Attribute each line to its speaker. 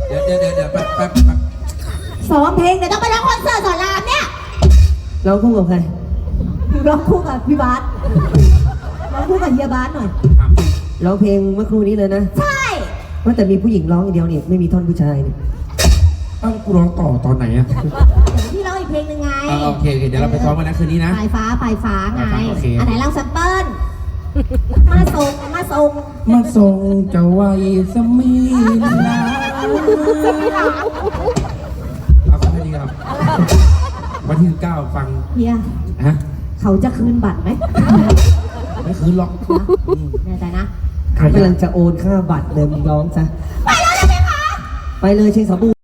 Speaker 1: เดี๋ยวแป๊บ
Speaker 2: ซ้อมเพลงเดี๋ยวต้องไปร้องคอนเสิร์ตสอนรามเนี่ย
Speaker 3: ร้องคู่กับใคร
Speaker 2: ร้องคู่กับพี่บาสร้องคู่กับเฮียบาสหน่อย
Speaker 1: ถามจริง
Speaker 3: ร้องเพลงเมื่อครู่นี้เลยนะ
Speaker 2: ใช่
Speaker 3: ว่าแต่มีผู้หญิงร้องอย่างเดียวนี่ไม่มีท่อนผู้ชายนี่
Speaker 1: กูร้องต่อตอนไหนอะ
Speaker 2: พี่ร้องอีกเพลงหนึ่งไง
Speaker 1: โอเคเดี๋ยวเราไปซ้อมกันนะคืนนี้นะ
Speaker 2: ปลายฟ้าไง
Speaker 1: โอเค
Speaker 2: อันไหนลองแซมเปิลมาส่ง
Speaker 1: มาส่งเจ้าไว้สมีลาเอาแค่นี้ครับวันที่9ฟัง
Speaker 2: เฮีย
Speaker 1: ฮะ
Speaker 2: เขาจะคืนบัตรไหม
Speaker 1: ไม่คืนหรอก
Speaker 2: แน่ใจนะ
Speaker 3: กำลังจะโอนค่าบัตรเลยมึงร้องซะ
Speaker 2: ไปแล้วนะพี่คะ
Speaker 3: ไปเลยเชียงสาบู